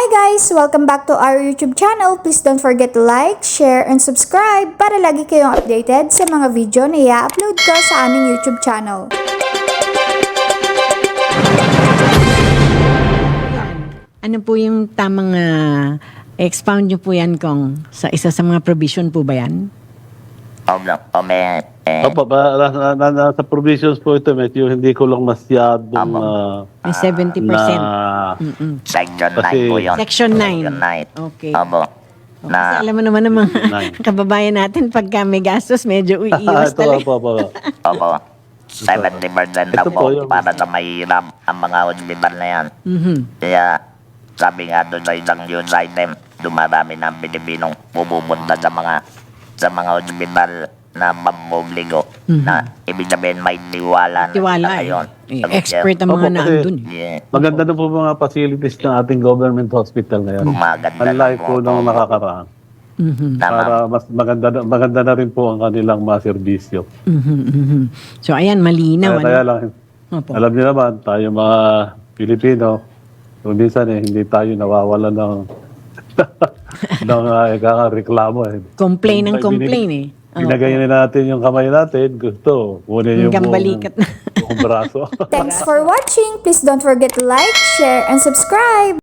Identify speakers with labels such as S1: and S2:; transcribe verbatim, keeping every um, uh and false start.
S1: Hi guys! Welcome back to our YouTube channel. Please don't forget to like, share, and subscribe para lagi kayong updated sa mga video na i-upload ko sa aming YouTube channel.
S2: Ano po yung tamang uh, expound nyo po yan, Kong? Sa isa sa mga provision po ba yan?
S3: Opo, ome, eh,
S4: Opo, ba, na, na, na, nasa provisions po ito, medyo hindi ko lang masyadong
S3: Amo.
S4: uh,
S2: May seventy percent.
S4: na
S2: Mm-mm.
S3: section
S4: Kasi-
S3: nine po yun.
S2: Section nine.
S3: Section nine.
S2: Okay.
S3: Opo.
S2: Kasi
S3: Na,
S2: alam mo naman ng mga
S4: Nine.
S2: kababayan natin, pagka may gastos, medyo iiwas
S4: ito,
S2: talaga.
S4: opo, opo.
S3: opo, seventy percent
S4: Ito
S3: na
S4: po
S3: po
S4: yung-
S3: para sa mahirap ang mga hospital na yan.
S2: Mhm.
S3: Kaya, sabi nga doon ay ng news item, dumarami ng Pilipinong pumupunta sa mga sa mga hospital na mamubligo na ibig sabihin may tiwala na
S2: Tiwala
S3: sila
S2: eh.
S3: ngayon.
S2: Eh,
S3: Sabi
S2: expert ang
S4: Opo,
S2: mga
S4: kasi-
S2: naandun.
S3: Yeah.
S4: Maganda na po mga facilities ng ating government hospital ngayon.
S3: Gumaganda na
S4: Unlike po
S3: po.
S4: nung nakakaraan.
S2: Mhm.
S3: Tama.
S4: Para mas maganda na, maganda na rin po ang kanilang mga serbisyo.
S2: Mhm, mhm. So ayan, malinaw.
S4: Kaya, kaya
S2: Ano?
S4: lang,
S2: Opo.
S4: alam niyo naman, tayo mga Pilipino, kung minsan eh, hindi tayo nawawala ng ng uh, reklamo eh.
S2: Complain ng
S4: Binig-
S2: complain eh. Oo.
S4: Binagay na natin yung kamay natin, gusto, kunin yung
S2: Hanggang
S4: buong,
S2: balikat na.
S4: buong braso.
S1: Thanks for watching! Please don't forget to like, share, and subscribe!